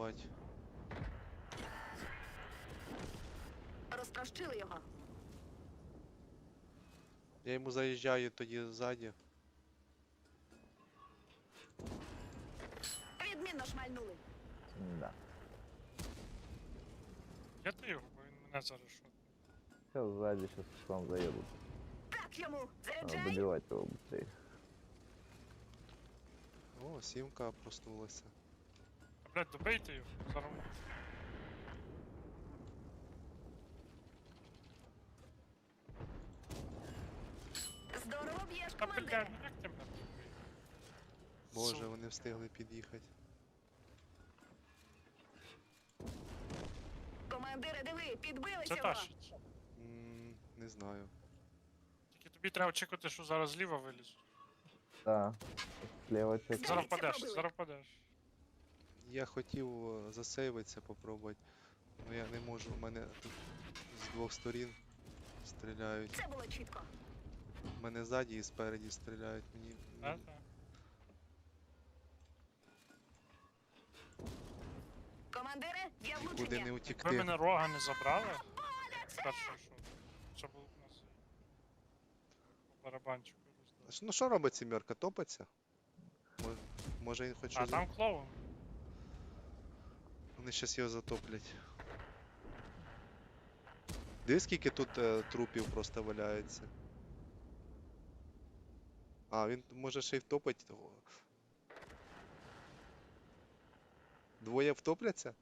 працювати. Розтрощили його. Я йому заїжджаю тоді ззаді. Відмінно шмальнули. Да. Я ти його, бо він мене зараз шотне. Сейчас сзади, сейчас к вам заедут. Так йому. Надо Заряджай. добивать его быстрее. О, сімка проснулася. А, блядь, добийте його, зараз. Здорово б'єш, Та, блядь, командире. ну як ти мене добив? Боже, вони встигли під'їхати. Командире, диви, підбили Це цього. тащить. Не знаю. Тільки тобі треба очікувати, що зараз зліва вилізуть. Да. Слева что-то. Зараз Це впадеш, пробили. зараз впадеш. Я хотів засейвитися, попробувати. Але я не можу, у мене тут з двох сторін стріляють. Це було чітко. У мене ззаді і спереді стріляють. Мені. Так, так. Командире, є Нікуди влучення. не Ви утікти. мене рога не забрали? Перше, що? Це був у нас по барабанчику роздав. Ну що робить сімерка? Топиться? Може він хоче. А, там клоун. Вони щас його затоплять. Дивись, скільки тут трупів просто валяється. А, він може ще й втопить. Двоє втопляться?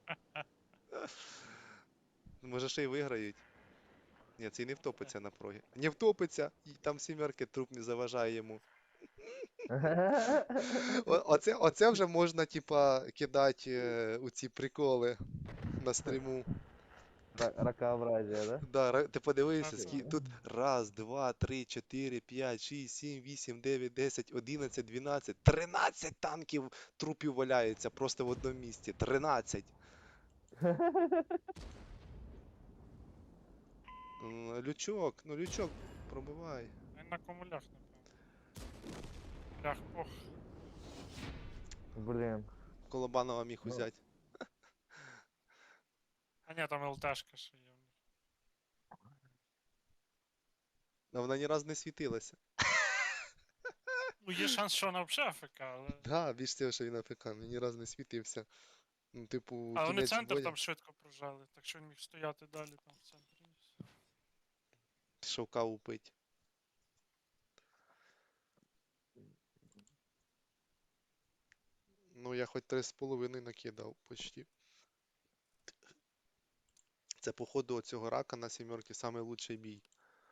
Може ще й виграють. Ні, цей не втопиться на прогі. Не втопиться! І там сімерки труп не заважає йому. Оце вже можна, типа, кидати у ці приколи на стріму. Ракообразие, да? Да, ти подивися, Ага. тут раз, два, три, чотири, п'ять, шість, сім, вісім, дев'ять, 10, 11, 12, 13 танків трупів валяється просто в одному місці. 13. Лючок, ну лючок, пробивай. Він на комулях, напевно. Лях, ох. Блин. Колобанова міг Ну. узяти. А ні, там ЛТшка ще є. А вона ні разу не світилася. Ну, є шанс, що вона взагалі АФК, але... Да, більш того, що він АФК, він ні разу не світився. Ну, типу, Але вони кінець центр бою. там швидко прожали, так що він міг стояти далі там в центрі. Пішов каву пить. Ну, я хоч 3,5 накидав почти. Це, походу, оцього рака на сімерки самий лучший бій.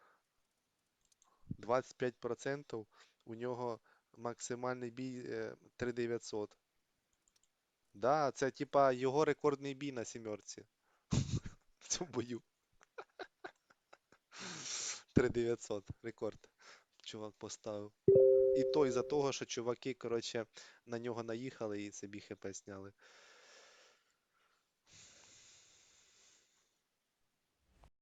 25% у нього максимальний бій 3900. Да, це типа його рекордний бій на сімерці. В цьому бою. 3900 рекорд. Чувак поставив. І то із-за того, що чуваки, коротше, на нього наїхали і собі хп сняли.